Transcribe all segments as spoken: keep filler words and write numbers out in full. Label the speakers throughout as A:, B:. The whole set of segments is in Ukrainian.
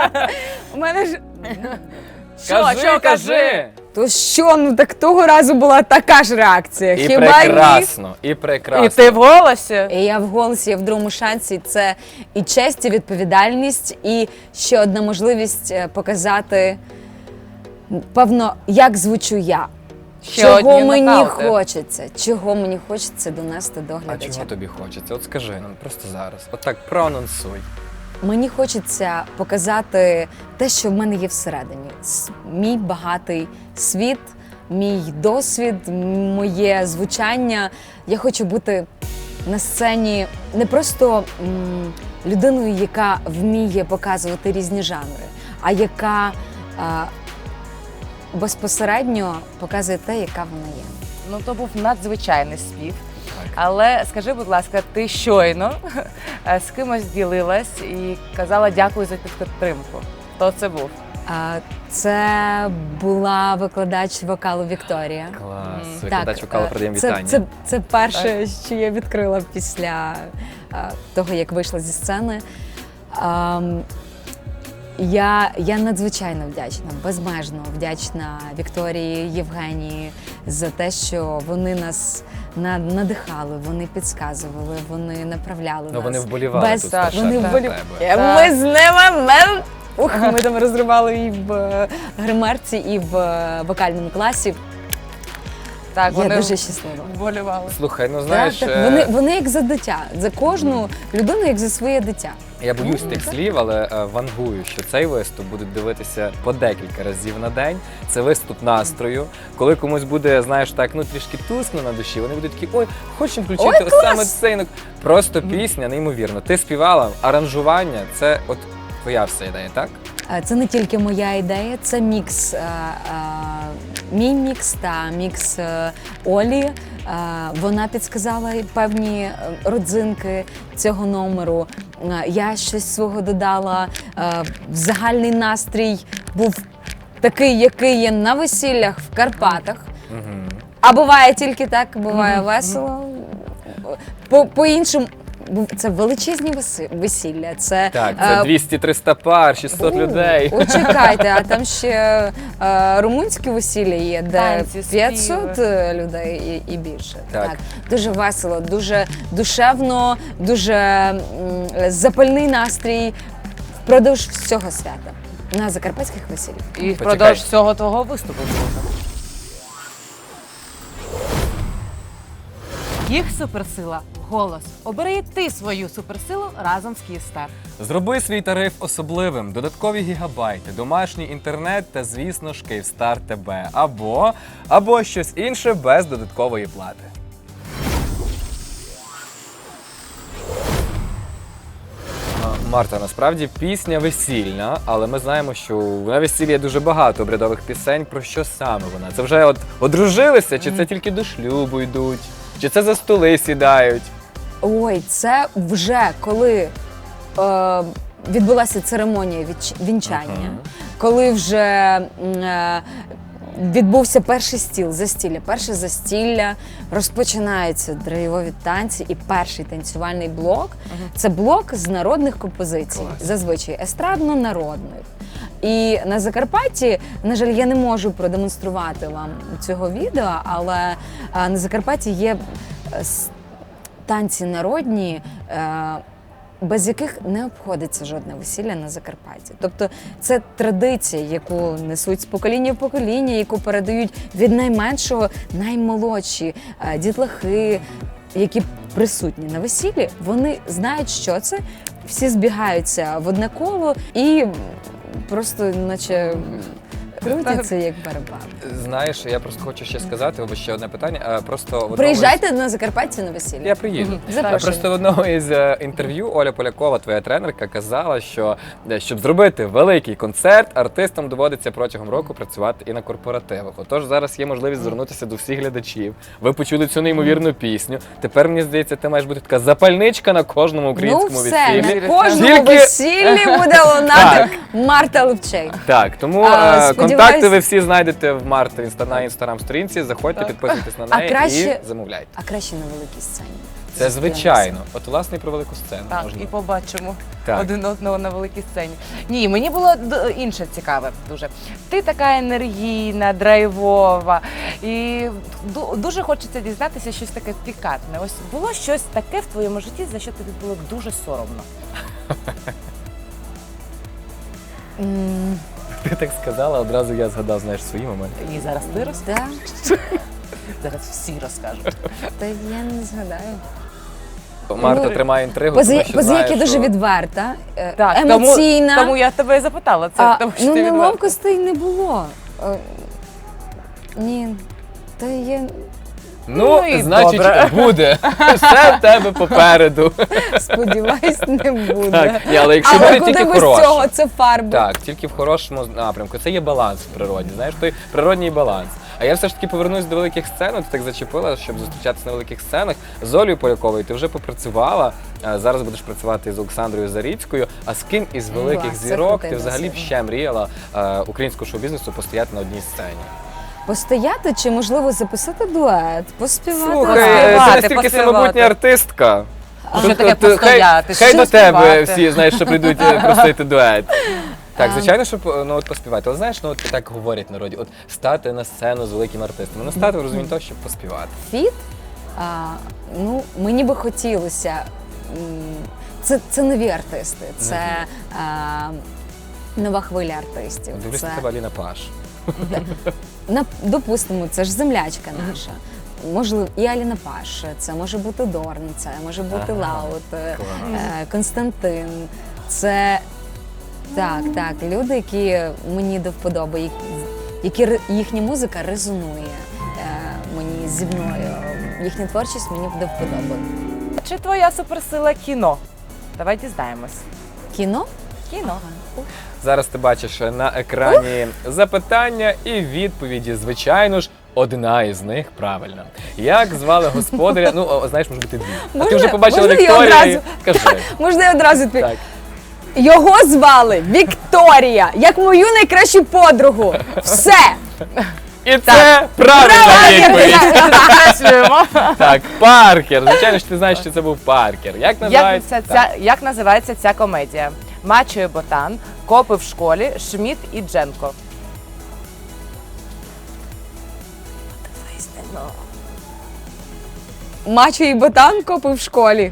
A: У мене ж... Що,
B: Кажи,
A: що,
B: кажи!
A: То що, ну так того разу була така ж реакція.
B: І
A: Хіба
B: прекрасно, і прекрасно.
C: І ти в голосі?
A: ні? І я в голосі, я в другому шансі. Це і честь, і відповідальність, і ще одна можливість е, показати, певно, як звучу я.
C: Ще
A: чого
C: одні
A: мені
C: нокаути.
A: хочеться, чого мені хочеться донести до
B: А
A: глядача.
B: чого тобі хочеться? От скажи нам просто зараз. От так проанонсуй.
A: Мені хочеться показати те, що в мене є всередині. С- Мій багатий світ, мій досвід, м- моє звучання. Я хочу бути на сцені не просто м, людиною, яка вміє показувати різні жанри, а яка а, безпосередньо показує те, яка вона є.
C: Ну, то був надзвичайний спів. Але скажи, будь ласка, ти щойно е, з кимось ділилась і казала дякую за підтримку. Хто це був?
A: А, Це була викладач вокалу Вікторія.
B: Клас.
C: Мгм.
B: Викладач вокалу,
A: е,
B: передаємо
A: це,
B: вітання.
A: це, це перше, що я відкрила після е, того, як вийшла зі сцени. Ем, я, я надзвичайно вдячна, безмежно вдячна Вікторії, Євгенії за те, що вони нас на- надихали, вони підказували, вони направляли
B: Ну
A: нас.
B: вони вболівали
A: Без-
B: тут
C: так,
A: вони
B: страшенно
A: вболів...
B: за тебе.
A: Е,
C: Так.
A: Ми з ними ми... Ух, ми там розривали і в е, гримерці, і в е, вокальному класі.
C: Так,
A: Я
C: вони
A: дуже щаслива.
C: вболівали.
B: Слухай, ну знаєш,
A: так, так,
B: е,
A: вони, вони як за дитя, за кожну людину, як за своє дитя.
B: я боюсь тих слів, але е, вангую, що цей виступ будуть дивитися по декілька разів на день. Це виступ настрою. Коли комусь буде, знаєш, так, ну трішки тускно на душі, вони будуть такі, ой, хочемо включити
A: Ой,
B: ось
A: клас!
B: саме цей. Ну, просто пісня, неймовірно. Ти співала, аранжування, це от твоя вся ідея, так?
A: Е, Це не тільки моя ідея, це мікс, е, е, мій мікс та мікс е, Олі. Е, Вона підсказала певні е, родзинки цього номеру. Е, Я щось свого додала. Е, Загальний настрій був такий, який є на весіллях в Карпатах.
B: Угу.
A: А буває тільки так, буває весело. По- По-іншому, бу- це величезні веси- весілля. Це,
B: Так,
A: е,
B: це двісті-триста пар, шістсот
A: у,
B: людей.
A: О, чекайте, а там ще е, румунське весілля є, де
C: Танці,
A: п'ятсот
C: співи.
A: людей і, і більше.
B: Так.
A: Дуже весело, дуже душевно, дуже м, запальний настрій впродовж всього свята на закарпатських весіллях.
C: І
B: Почекай.
C: впродовж всього твого виступу буде. Їх суперсила – голос. Обери і ти свою суперсилу разом з Київстар.
B: Зроби свій тариф особливим, додаткові гігабайти, домашній інтернет та, звісно ж, Київстар ТБ. Або, або щось інше без додаткової плати. А, Марта, насправді пісня весільна, але ми знаємо, що на весіллі є дуже багато обрядових пісень. Про що саме вона? Це вже от одружилися, чи це тільки до шлюбу йдуть, чи це за столи сідають?
A: Ой, це вже коли е, відбулася церемонія відч- вінчання,
B: Ага.
A: коли вже м, е, відбувся перший стіл, застілля. Перше застілля, розпочинаються драйвові танці, і перший танцювальний блок це блок з народних композицій,
B: Клас.
A: зазвичай естрадно-народних. І на Закарпатті, на жаль, я не можу продемонструвати вам цього відео, але е, на Закарпатті є е, с- танці народні, е, без яких не обходиться жодне весілля на Закарпатті. Тобто це традиція, яку несуть з покоління в покоління, яку передають від найменшого наймолодші е, дітлахи, які присутні на весіллі. Вони знають, що це, всі збігаються в одне коло і просто наче крутяться як барабан.
B: Знаєш, я просто хочу ще сказати, або ще одне питання. а, Просто в одному
A: Приїжджайте на Закарпаття на весілля.
B: із- Я приїду.
C: Мгм.
B: А
A: Запрошую.
B: Просто в одному із е, інтерв'ю Оля Полякова, твоя тренерка, казала, що е, щоб зробити великий концерт, артистам доводиться протягом року працювати і на корпоративах. Отож, зараз є можливість звернутися до всіх глядачів. Ви почули цю неймовірну пісню. Тепер, мені здається, ти маєш бути така запальничка на кожному
A: Ну
B: українському
A: все,
B: весіллі.
A: на кожному
B: Тільки-
A: весіллі буде лунати Марта Левчей.
B: Так, тому
A: А,
B: е,
A: сподіваюсь-
B: контакти ви всі знайдете в Марти інста- на інстаграм сторінці. Заходьте,
C: Так.
B: підписуйтесь на
A: А
B: неї
A: краще-
B: і замовляйте.
A: А краще на великій сцені.
B: Це звичайно. От, власне, і про велику сцену
C: Так,
B: можна.
C: і побачимо
B: Так.
C: один одного на великій сцені. Ні, мені було д- інше цікаве дуже. Ти така енергійна, драйвова, і ду- дуже хочеться дізнатися щось таке пікантне. Ось було щось таке в твоєму житті, за що тобі було дуже соромно.
A: М,
B: Ти так сказала, одразу я згадав, знаєш, свої моменти.
C: І зараз ти розкажеш.
A: Да,
C: Зараз всі розкажуть.
A: та я не згадаю.
B: Марта
A: Ну,
B: тримає інтригу,
A: Поза,
B: тому що
A: поза
B: знає,
A: як я дуже
B: що...
A: відверта, е,
C: Так,
A: емоційна.
C: Тому, тому я тебе і запитала. Це
A: а,
C: тому, що
A: ну,
C: ти відверта.
A: неловкостей не було. Е, ні, та є.
B: Ну,
C: Ну і
B: значить,
C: добре.
B: буде. Все в тебе попереду.
A: Сподіваюсь, не буде.
B: Так, ні, але якщо
A: Але
B: буде
A: куди
B: тільки
A: без цього?
B: хороше.
A: Це фарби.
B: Так, тільки в хорошому напрямку. Це є баланс в природі, знаєш, той природній баланс. А я все ж таки повернусь до великих сцен, от ти так зачепила, щоб зустрічатися на великих сценах. З Олею Поляковою ти вже попрацювала, а зараз будеш працювати з Олександрою Заріцькою. А з ким із великих
A: Клас, це
B: зірок
A: крутий
B: ти взагалі б
A: досвід.
B: ще мріяла е, українського шоу-бізнесу постояти на одній сцені?
A: Постояти чи, можливо, записати дует, поспівати.
B: Слухай,
A: разом.
B: е, ти
C: Поспівати,
B: настільки
C: поспівати.
B: самобутня артистка.
C: А що таке
B: ти-
C: постояти?
B: Хай, хай
C: Що
B: до тебе
C: співати?
B: всі, знаєш, що прийдуть е, просити дует. Так,
A: А.
B: звичайно, щоб ну, от поспівати. Але знаєш, ну от так говорять в народі, от стати на сцену з великим артистом. Не стати в розумінні того, щоб поспівати.
A: Фіт, а, ну, мені би хотілося. м, Це, це нові артисти, це а, нова хвиля артистів.
B: Дивлюсь
A: Це,
B: на тебе, Аліна Паш.
A: на, допустимо, це ж землячка наша. Можливо, і Аліна Паш, це може бути Дорн, це може бути
B: Ага,
A: Лаут, е,
B: клас.
A: е, Константин. Це так, так, люди, які мені до вподоби, які, які ре- їхня музика резонує е, мені зі мною. Їхня творчість мені до вподоби.
C: Чи твоя суперсила кіно? Давай дізнаємось.
A: Кіно?
C: Кіно.
B: Зараз ти бачиш на екрані запитання і відповіді. Звичайно ж, одна із них правильна. Як звали господаря? Ну, о, знаєш, може бути дві. А ти
A: Можна-
B: вже побачила
A: можна я
B: Вікторію і
A: одразу?
B: кажи.
A: Можна я одразу відповім?
B: Так.
A: Його звали Вікторія, як мою найкращу подругу. Все!
B: І це правильна відповідь.
C: Підкреслюємо.
B: Так, Паркер. Звичайно ж, ти знаєш, що це був Паркер. Як
C: Як,
B: називається?
C: ця,
B: Так.
C: ця, як називається ця комедія? Мачо і Ботан, Копи в школі, Шміт і Дженко.
A: Мачо і ботан копи в школі.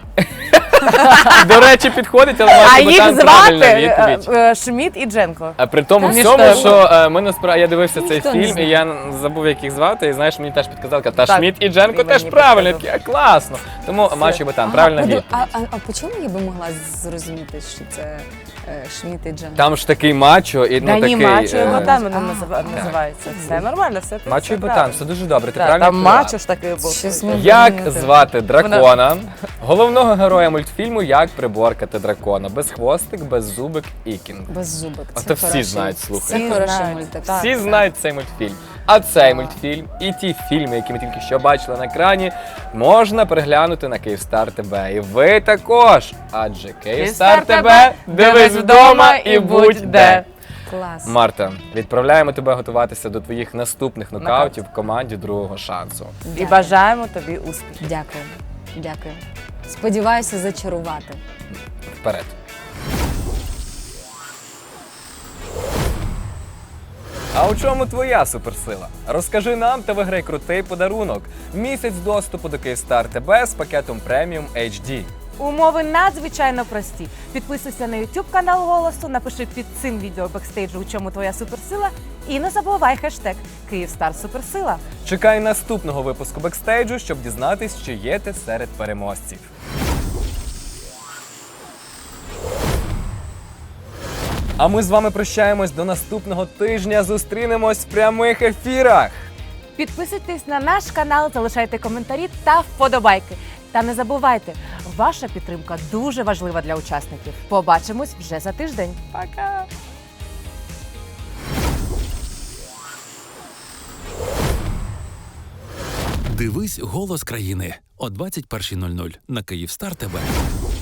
B: До речі, підходить, але
C: А
B: Мачо
C: їх
B: Ботан
C: звати
B: правильна
C: е,
B: відповідь.
C: е, Шміт і Дженко.
B: А при тому
C: Ніхто
B: всьому,
C: не
B: що е, ми насправді я дивився цей
A: Ніхто не
B: фільм, і
A: знає.
B: я забув, як їх звати, і знаєш, мені теж підказали, та
C: Так,
B: Шміт і Дженко
C: і
B: теж
C: мені
B: правильно.
C: підказав.
B: Я такий, а, класно. Тому Мачо і Ботан, правильна
A: поду-
B: відповідь.
A: а, а, а по чому я би могла зрозуміти, що це е, Шміт і Джен?
B: Там ж такий мачо і ну
C: Та ні,
B: такий.
C: Мачо і
B: е,
C: Ботан воно
A: а,
C: назива- називається. Все нормально, все ти
B: Мачо
C: все
B: і Ботан,
C: правильно.
B: все дуже добре. Ти
C: Так,
B: правильно
C: там
B: відповіла.
C: Мачо ж такий був.
A: Щось ми-
B: Як
A: Вона-
B: звати дракона, головного героя мультфільму Як приборкати дракона? Безхвостик, беззубик і кінг.
A: Без зубок.
B: А
A: Це
B: то всі
A: хороший-
B: знають, слухай.
A: Це
C: Всі
A: хороший
C: знають,
A: мультик.
C: так.
B: Всі знають цей мультфільм. А цей мультфільм і ті фільми, які ми тільки що бачили на екрані, можна переглянути на Київстар ТВ. І ви також. Адже Київстар ТВ дивись вдома і будь де.
A: Клас.
B: Марта, відправляємо тебе готуватися до твоїх наступних
C: Нокаут.
B: нокаутів в команді другого шансу.
C: І
A: Дякую.
C: бажаємо тобі успіхів.
A: Дякую. Дякую. Сподіваюся зачарувати.
B: Вперед. А у чому твоя суперсила? Розкажи нам та виграй крутий подарунок. Місяць доступу до Київстар ТВ з пакетом преміум ейч ді.
C: Умови надзвичайно прості. Підписуйся на YouTube канал Голосу, напиши під цим відео бекстейджу, у чому твоя суперсила, і не забувай хештег Київстар Суперсила.
B: Чекай наступного випуску бекстейджу, щоб дізнатись, чи є ти серед переможців. А ми з вами прощаємось до наступного тижня. Зустрінемось в прямих ефірах.
C: Підписуйтесь на наш канал, залишайте коментарі та вподобайки. Та не забувайте, ваша підтримка дуже важлива для учасників. Побачимось вже за тиждень. Пока!
D: Дивись «Голос країни» о двадцять першій нуль нуль на Київстар ТВ.